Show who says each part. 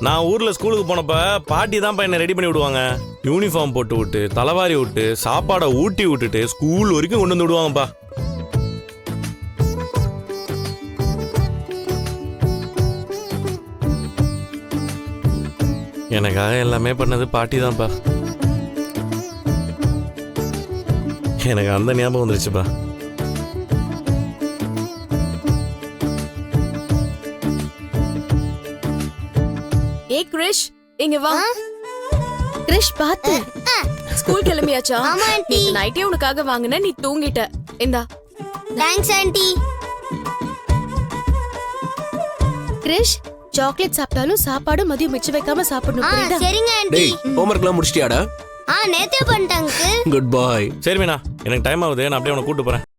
Speaker 1: நான் ஊர்ல ஸ்கூலுக்கு போனப்ப பாட்டி தான் என்ன ரெடி பண்ணி விடுவாங்க. யூனிஃபார்ம் போட்டு விட்டு தலைவாரி விட்டு சாப்பாடை ஊட்டி விட்டுட்டு ஸ்கூல் வரைக்கும் கொண்டு வந்து விடுவாங்கப்பா. எனக்காக எல்லாமே பண்ணது பாட்டி தான்ப்பா. எனக்கு அந்த ஞாபகம் வந்துருச்சுப்பா.
Speaker 2: ஏய் கிரிஷ், இங்க வா.
Speaker 3: கிரிஷ் பாத்து.
Speaker 2: ஸ்கூல் கிளம்பியாச்சா?
Speaker 4: ஆமா ஆண்டி.
Speaker 2: நைட்டே உனக்காக வாங்குன, நீ தூங்கிட்ட. இந்தா.
Speaker 4: Thanks aunty.
Speaker 3: கிரிஷ், சாக்லேட் சாப்பிட்டாலும் சாப்பாடு மதியம் மிச்சம் வைக்காம சாப்பிடணும், புரியுதா?
Speaker 4: சரிங்க ஆண்டி.
Speaker 5: டேய், ஹோம்வொர்க்லாம் முடிச்சிட்டியாடா?
Speaker 4: நேத்தே பண்ணிட்டாங்க.
Speaker 5: Good bye.
Speaker 1: சரி மீனா, எனக்கு டைம் ஆகுது, நான் அப்படியே உன்னை கூட்டு போறேன்.